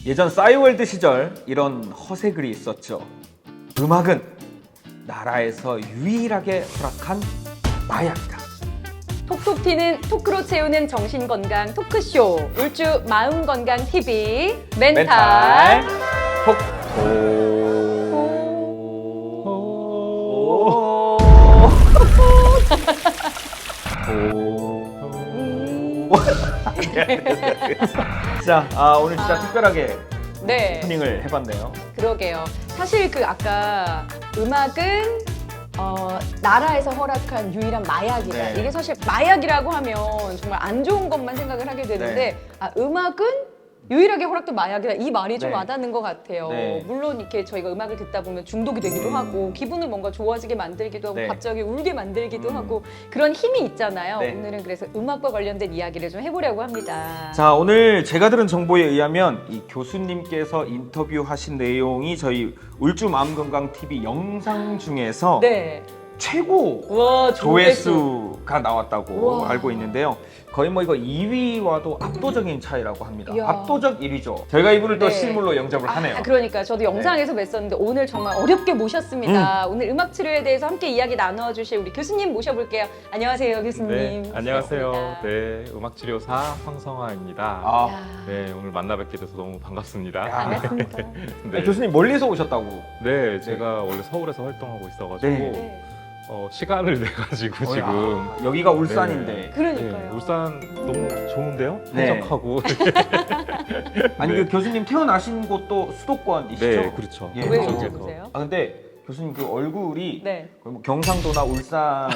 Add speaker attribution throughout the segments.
Speaker 1: 예전 싸이월드 시절 이런 허세글이 있었죠. 음악은 나라에서 유일하게 허락한 마약이다.
Speaker 2: 톡톡 튀는 토크로 채우는 정신건강 토크쇼 울주 마음건강TV 멘탈
Speaker 1: 자, 오늘 진짜 특별하게
Speaker 2: 네,
Speaker 1: 오프닝을 해봤네요.
Speaker 2: 그러게요. 사실 그 아까 음악은 나라에서 허락한 유일한 마약이다.
Speaker 1: 네.
Speaker 2: 이게 사실 마약이라고 하면 정말 안 좋은 것만 생각을 하게 되는데
Speaker 1: 네.
Speaker 2: 음악은 유일하게 허락된 마약이다. 이 말이 좀
Speaker 1: 네.
Speaker 2: 와닿는 것 같아요.
Speaker 1: 네.
Speaker 2: 물론 이렇게 저희가 음악을 듣다 보면 중독이 되기도 하고 기분을 뭔가 좋아지게 만들기도 하고
Speaker 1: 네.
Speaker 2: 갑자기 울게 만들기도 하고 그런 힘이 있잖아요.
Speaker 1: 네.
Speaker 2: 오늘은 그래서 음악과 관련된 이야기를 좀 해보려고 합니다.
Speaker 1: 자, 오늘 제가 들은 정보에 의하면 이 교수님께서 인터뷰하신 내용이 저희 울주 마음건강TV 영상 중에서
Speaker 2: 네.
Speaker 1: 최고
Speaker 2: 와,
Speaker 1: 조회수가 나왔다고
Speaker 2: 우와.
Speaker 1: 알고 있는데요. 거의 뭐 이거 2위와도 압도적인 차이라고 합니다.
Speaker 2: 이야.
Speaker 1: 압도적 1위죠. 저희가 이분을 또
Speaker 2: 네.
Speaker 1: 실물로 영접을 하네요.
Speaker 2: 그러니까 저도 영상에서 뵀었는데 오늘 정말 어렵게 모셨습니다. 오늘 음악 치료에 대해서 함께 이야기 나눠주실 우리 교수님 모셔볼게요. 안녕하세요, 교수님.
Speaker 3: 네, 안녕하세요.
Speaker 2: 반갑습니다.
Speaker 3: 네, 음악치료사 황성화입니다.
Speaker 1: 아,
Speaker 3: 네, 오늘 만나 뵙게 돼서 너무 반갑습니다.
Speaker 2: 반갑습니다.
Speaker 3: 네,
Speaker 1: 교수님 멀리서 오셨다고.
Speaker 3: 네, 제가 원래 서울에서 활동하고 있어가지고
Speaker 1: 네.
Speaker 2: 네.
Speaker 3: 시간을 내 가지고 지금.
Speaker 1: 여기가 울산인데.
Speaker 2: 그러니까요.
Speaker 3: 네, 울산 너무 좋은데요?
Speaker 1: 네.
Speaker 3: 한적하고.
Speaker 1: 아니
Speaker 3: 네.
Speaker 1: 그 교수님 태어나신 곳도 수도권이시죠?
Speaker 3: 네, 그렇죠.
Speaker 1: 예.
Speaker 2: 왜
Speaker 1: 그쪽에서.
Speaker 2: 여쭤보세요?
Speaker 1: 근데 교수님 그 얼굴이
Speaker 2: 네.
Speaker 1: 거의 뭐 경상도나 울산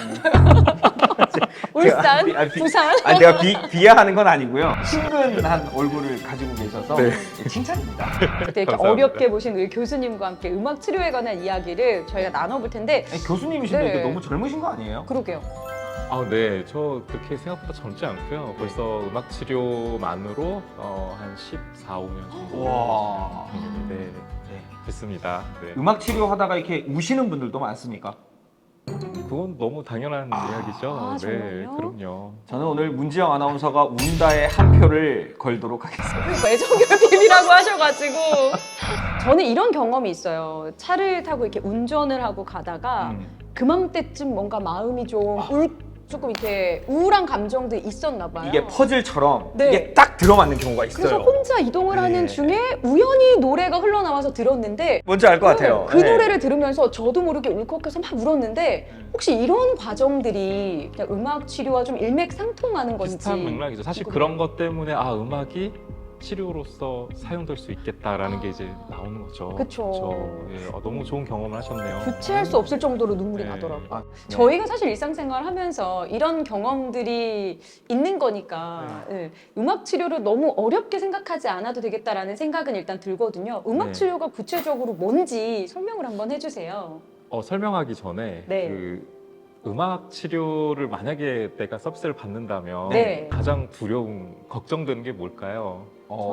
Speaker 2: 울산,
Speaker 1: 제가
Speaker 2: 부산.
Speaker 1: 아니 내가 비하하는 건 아니고요. 친근한 얼굴을 가지고 계셔서
Speaker 3: 네.
Speaker 1: 칭찬입니다.
Speaker 2: 이렇게
Speaker 3: 감사합니다.
Speaker 2: 어렵게 보신 우리 교수님과 함께 음악 치료에 관한 이야기를 저희가 나눠볼 텐데
Speaker 1: 아니, 교수님이신데
Speaker 2: 네.
Speaker 1: 이게 너무 젊으신 거 아니에요?
Speaker 2: 그러게요.
Speaker 3: 아, 네, 저 그렇게 생각보다 젊지 않고요. 벌써 음악치료만으로 한 14, 15년 정도.
Speaker 1: 와.
Speaker 3: 네,
Speaker 1: 네.
Speaker 3: 됐습니다. 네.
Speaker 1: 음악 치료하다가 이렇게 우시는 분들도 많습니까?
Speaker 3: 그건 너무 당연한 이야기죠. 네,
Speaker 2: 정말요?
Speaker 3: 그럼요.
Speaker 1: 저는 오늘 문지영 아나운서가 운다에 한 표를 걸도록 하겠습니다.
Speaker 2: 애정결핍이라고 하셔가지고 저는 이런 경험이 있어요. 차를 타고 이렇게 운전을 하고 가다가 그맘때쯤 뭔가 마음이 조금 이렇게 우울한 감정들이 있었나 봐요.
Speaker 1: 이게 퍼즐처럼
Speaker 2: 네.
Speaker 1: 이게 딱 들어맞는 경우가 있어요.
Speaker 2: 그래서 혼자 이동을
Speaker 1: 네.
Speaker 2: 하는 중에 우연히 노래가 흘러나와서 들었는데
Speaker 1: 뭔지 알 것 같아요.
Speaker 2: 그
Speaker 1: 네.
Speaker 2: 노래를 들으면서 저도 모르게 울컥해서 막 울었는데 혹시 이런 과정들이 그냥 음악 치료와 좀 일맥상통하는 건지
Speaker 3: 비슷한 맥락이죠. 사실
Speaker 2: 궁금해요.
Speaker 3: 그런 것 때문에 음악이 치료로서 사용될 수 있겠다라는 게 이제 나오는 거죠.
Speaker 2: 그쵸.
Speaker 3: 예, 너무 좋은 경험을 하셨네요.
Speaker 2: 주체할 수 없을 정도로 눈물이
Speaker 3: 네.
Speaker 2: 나더라고요.
Speaker 1: 아,
Speaker 2: 저희가 사실 일상생활 하면서 이런 경험들이 있는 거니까 예, 음악 치료를 너무 어렵게 생각하지 않아도 되겠다라는 생각은 일단 들거든요. 음악
Speaker 3: 네.
Speaker 2: 치료가 구체적으로 뭔지 설명을 한번 해주세요.
Speaker 3: 설명하기 전에
Speaker 2: 네.
Speaker 3: 그 음악 치료를 만약에 내가 서비스를 받는다면
Speaker 2: 네.
Speaker 3: 가장 두려운, 걱정되는 게 뭘까요?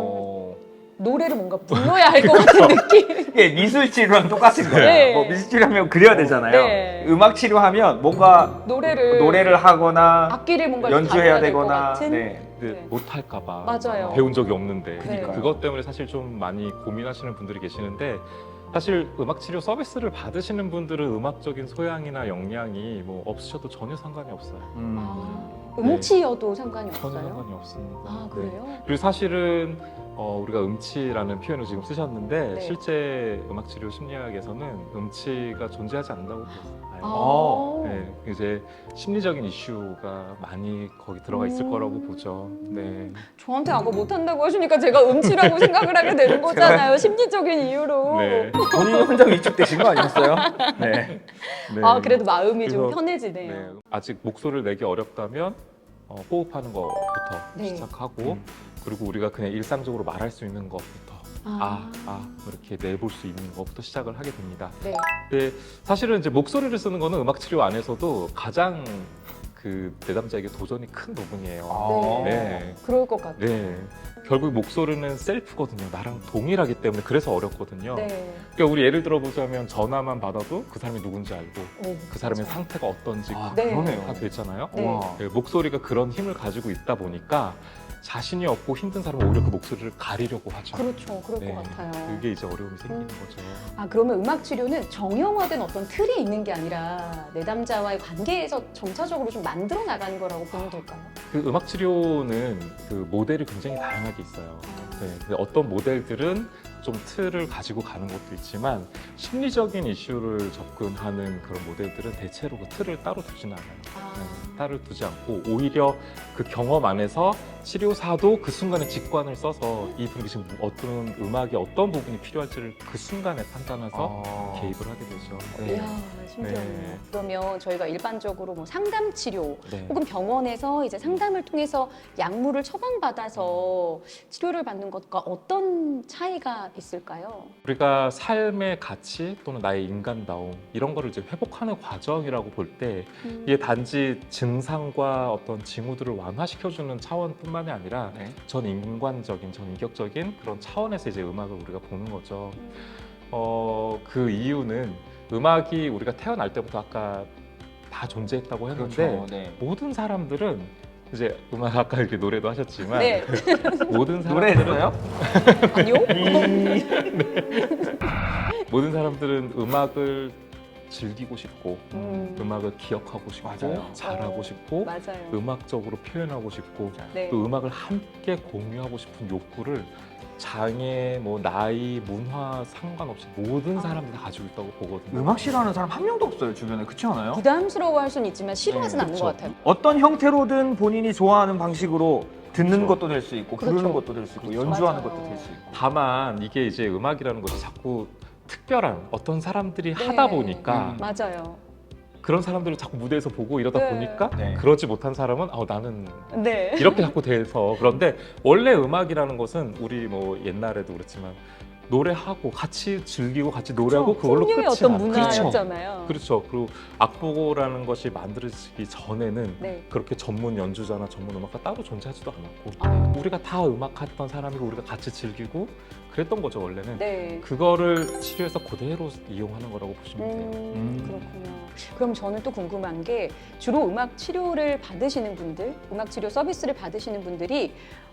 Speaker 2: 노래를 뭔가 불러야 할 것 같은 느낌.
Speaker 1: 이게 미술 치료랑 똑같은 거예요.
Speaker 2: 네.
Speaker 1: 뭐 미술 치료하면 그려야 되잖아요.
Speaker 2: 네.
Speaker 1: 음악 치료하면 뭔가
Speaker 2: 노래를
Speaker 1: 하거나
Speaker 2: 악기를 뭔가
Speaker 1: 연주해야
Speaker 2: 다뤄야 될것
Speaker 1: 되거나
Speaker 2: 같은?
Speaker 1: 네.
Speaker 3: 근데
Speaker 2: 네.
Speaker 3: 못할까봐
Speaker 2: 맞아요.
Speaker 3: 배운 적이 없는데
Speaker 2: 그러니까요.
Speaker 3: 그것 때문에 사실 좀 많이 고민하시는 분들이 계시는데 사실 음악 치료 서비스를 받으시는 분들은 음악적인 소양이나 역량이 뭐 없으셔도 전혀 상관이 없어요.
Speaker 2: 음치여도 상관이
Speaker 3: 전혀
Speaker 2: 없어요?
Speaker 3: 상관이 없습니다.
Speaker 2: 아
Speaker 3: 네.
Speaker 2: 그래요?
Speaker 3: 그리고 사실은 우리가 음치라는 표현을 지금 쓰셨는데
Speaker 2: 네.
Speaker 3: 실제 음악치료 심리학에서는 음치가 존재하지 않는다고 봐요.
Speaker 2: 아.
Speaker 3: 네, 이제 심리적인 이슈가 많이 거기 들어가 있을 거라고 보죠. 네.
Speaker 2: 저한테 아까 못한다고 하시니까 제가 음치라고 생각을 하게 되는 거잖아요. 심리적인 이유로.
Speaker 3: 네.
Speaker 1: 본인이 혼자 위축되신 거 아니었어요? 네.
Speaker 3: 네.
Speaker 2: 아 그래도 마음이 좀
Speaker 3: 그래서-
Speaker 2: 편해지네요.
Speaker 3: 네. 아직 목소리를 내기 어렵다면 호흡하는 것부터
Speaker 2: 네.
Speaker 3: 시작하고 그리고 우리가 그냥 일상적으로 말할 수 있는 것부터 이렇게 내볼 수 있는 것부터 시작을 하게 됩니다.
Speaker 2: 네.
Speaker 3: 근데 사실은 이제 목소리를 쓰는 거는 음악 치료 안에서도 가장 그 내담자에게 도전이 큰 부분이에요.
Speaker 1: 아.
Speaker 3: 네.
Speaker 2: 그럴 것 같아요.
Speaker 3: 네. 결국 목소리는 셀프거든요. 나랑 동일하기 때문에 그래서 어렵거든요.
Speaker 2: 네.
Speaker 3: 그러니까 우리 예를 들어보자면 전화만 받아도 그 사람이 누군지 알고
Speaker 2: 오,
Speaker 3: 그 사람의
Speaker 2: 맞아요.
Speaker 3: 상태가 어떤지
Speaker 2: 네.
Speaker 1: 그러네요.
Speaker 3: 다 되잖아요.
Speaker 2: 네.
Speaker 1: 와.
Speaker 3: 네, 목소리가 그런 힘을 가지고 있다 보니까 자신이 없고 힘든 사람은 오히려 그 목소리를 가리려고 하죠.
Speaker 2: 그렇죠. 그럴
Speaker 3: 네,
Speaker 2: 것 같아요.
Speaker 3: 그게 이제 어려움이 생기는 거죠.
Speaker 2: 아, 그러면 음악 치료는 정형화된 어떤 틀이 있는 게 아니라 내담자와의 관계에서 점차적으로 좀 만들어 나가는 거라고 보면 될까요?
Speaker 3: 그 음악 치료는 그 모델이 굉장히 다양하게 있어요. 네, 근데 어떤 모델들은 좀 틀을 가지고 가는 것도 있지만 심리적인 이슈를 접근하는 그런 모델들은 대체로 그 틀을 따로 두지는 않아요. 네, 따로 두지 않고 오히려 그 경험 안에서 치료사도 그 순간에 직관을 써서 이분이 지금 어떤 음악의 어떤 부분이 필요할지를 그 순간에 판단해서 개입을 하게 되죠. 네.
Speaker 2: 이야, 신기하네요.
Speaker 3: 네.
Speaker 2: 그러면 저희가 일반적으로 뭐 상담 치료
Speaker 3: 네.
Speaker 2: 혹은 병원에서 이제 상담을 통해서 약물을 처방받아서 치료를 받는 것과 어떤 차이가 있을까요?
Speaker 3: 우리가 삶의 가치 또는 나의 인간다움 이런 거를 이제 회복하는 과정이라고 볼 때 이게 단지 증상과 어떤 징후들을 완화시켜주는 차원뿐만이 아니라
Speaker 1: 네.
Speaker 3: 전 인간적인, 전 인격적인 그런 차원에서 이제 음악을 우리가 보는 거죠. 그 이유는 음악이 우리가 태어날 때부터 아까 다 존재했다고 했는데
Speaker 1: 그렇죠. 네.
Speaker 3: 모든 사람들은 이제 음악 아까 이렇게 노래도 하셨지만
Speaker 2: 네.
Speaker 3: 모든
Speaker 1: 노래
Speaker 3: 사람들은
Speaker 1: 했어요?
Speaker 2: 아니요?
Speaker 3: 모든 사람들은 음악을 즐기고 싶고
Speaker 2: 음악을
Speaker 3: 기억하고 싶고
Speaker 1: 맞아요.
Speaker 3: 잘하고
Speaker 2: 어,
Speaker 3: 싶고
Speaker 2: 맞아요.
Speaker 3: 음악적으로 표현하고 싶고
Speaker 2: 네.
Speaker 3: 또 음악을 함께 공유하고 싶은 욕구를 장애, 뭐 나이, 문화 상관없이 모든 사람들이 다 가지고 있다고 보거든요.
Speaker 1: 음악 싫어하는 사람 한 명도 없어요 주변에. 그렇지 않아요?
Speaker 2: 부담스러워할 수는 있지만 싫어하진
Speaker 3: 네,
Speaker 2: 않는
Speaker 3: 그쵸.
Speaker 2: 것 같아요.
Speaker 1: 어떤 형태로든 본인이 좋아하는 방식으로 듣는
Speaker 3: 그렇죠.
Speaker 1: 것도 될 수 있고 부르는
Speaker 2: 그렇죠.
Speaker 1: 것도 될 수 있고
Speaker 3: 그렇죠.
Speaker 1: 연주하는
Speaker 2: 맞아요.
Speaker 1: 것도 될 수 있고.
Speaker 3: 다만 이게 이제 음악이라는 것이 자꾸 특별한 어떤 사람들이
Speaker 2: 네.
Speaker 3: 하다 보니까
Speaker 2: 맞아요.
Speaker 3: 그런 사람들을 자꾸 무대에서 보고 이러다
Speaker 2: 네.
Speaker 3: 보니까
Speaker 1: 네.
Speaker 3: 그러지 못한 사람은 나는
Speaker 2: 네.
Speaker 3: 이렇게 자꾸 돼서. 그런데 원래 음악이라는 것은 우리 뭐 옛날에도 그렇지만 노래하고 같이 즐기고 같이 노래하고 그걸로
Speaker 2: 풍류의
Speaker 3: 끝이
Speaker 2: 어떤
Speaker 3: 나.
Speaker 2: 문화였잖아요.
Speaker 3: 그렇죠. 그리고 악보라는 것이 만들어지기 전에는
Speaker 2: 네.
Speaker 3: 그렇게 전문 연주자나 전문 음악가 따로 존재하지도 않았고
Speaker 2: 아,
Speaker 3: 우리가 다 음악했던 사람이고 우리가 같이 즐기고 그랬던 거죠 원래는.
Speaker 2: 네.
Speaker 3: 그거를 치료해서 그대로 이용하는 거라고 보시면 돼요.
Speaker 2: 그렇군요. 그럼 저는 또 궁금한 게 주로 음악 치료를 받으시는 분들, 음악 치료 서비스를 받으시는 분들이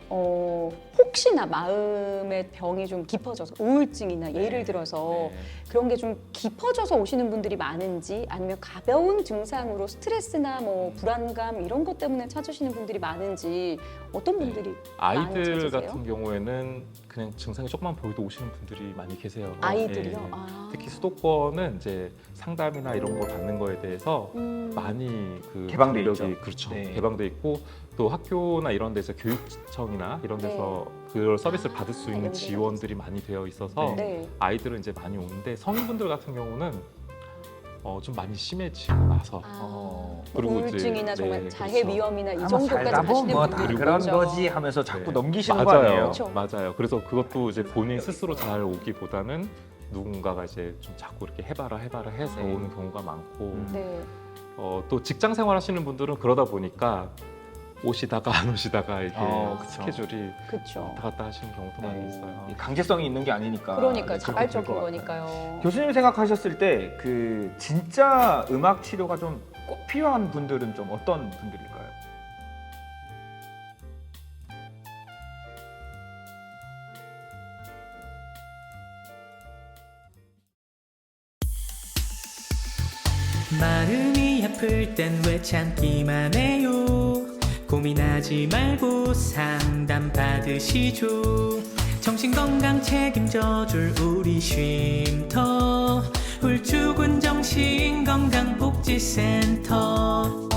Speaker 2: 혹시나 마음의 병이 좀 깊어져서 우울증이나 예를 들어서
Speaker 1: 네.
Speaker 2: 그런 게 좀 깊어져서 오시는 분들이 많은지 아니면 가벼운 증상으로 스트레스나 뭐 불안감 이런 것 때문에 찾으시는 분들이 많은지 어떤 분들이 많이
Speaker 3: 아이들
Speaker 2: 찾으세요?
Speaker 3: 같은 경우에는 그냥 증상이 조금만 보여도 오시는 분들이 많이 계세요.
Speaker 2: 아이들이요?
Speaker 3: 예.
Speaker 2: 아.
Speaker 3: 특히 수도권은 이제 상담이나 이런 걸 받는 거에 대해서 많이 그
Speaker 1: 개방돼
Speaker 3: 전력이,
Speaker 1: 있죠.
Speaker 3: 그렇죠.
Speaker 1: 네.
Speaker 3: 개방돼 있고 또 학교나 이런 데서 교육청이나 이런 데서 그걸 서비스를 받을 수 있는
Speaker 2: 연계가
Speaker 3: 지원들이 많이 되어 있어서
Speaker 2: 네.
Speaker 3: 아이들은 이제 많이 오는데 성인분들 같은 경우는 좀 많이 심해지고 나서 그리고 이제,
Speaker 2: 우울증이나 정말
Speaker 3: 네,
Speaker 2: 자해
Speaker 3: 그렇죠.
Speaker 2: 위험이나 이
Speaker 1: 한번
Speaker 2: 정도까지
Speaker 1: 살다 보면
Speaker 2: 가시는
Speaker 1: 뭐
Speaker 2: 분들이
Speaker 1: 다 그런
Speaker 2: 있죠.
Speaker 1: 거지 하면서 자꾸
Speaker 3: 네.
Speaker 1: 넘기시는 거
Speaker 3: 맞아요.
Speaker 1: 아니에요?
Speaker 2: 그렇죠.
Speaker 3: 맞아요. 그래서 그것도 이제 본인 스스로 잘 오기보다는 누군가가 이제 좀 자꾸 이렇게 해봐라 해서
Speaker 1: 네.
Speaker 3: 오는 경우가 많고
Speaker 2: 네.
Speaker 3: 또 직장 생활 하시는 분들은 그러다 보니까 오시다가 안 오시다가 이렇게
Speaker 1: 그쵸.
Speaker 3: 스케줄이
Speaker 2: 그렇죠.
Speaker 3: 왔다 갔다 하시는 경우도 많이 있어요.
Speaker 1: 이 강제성이 있는 게 아니니까.
Speaker 2: 그러니까
Speaker 1: 네, 그렇게
Speaker 2: 자발적인
Speaker 1: 될것 같아요.
Speaker 2: 거니까요.
Speaker 1: 교수님 생각하셨을 때 그 진짜 음악 치료가 좀 꼭 필요한 분들은 좀 어떤 분들일까요?
Speaker 4: 마음이 아플 땐 왜 참기만 해요. 고민하지 말고 상담 받으시죠. 정신건강 책임져줄 우리 쉼터 울주군 정신건강복지센터.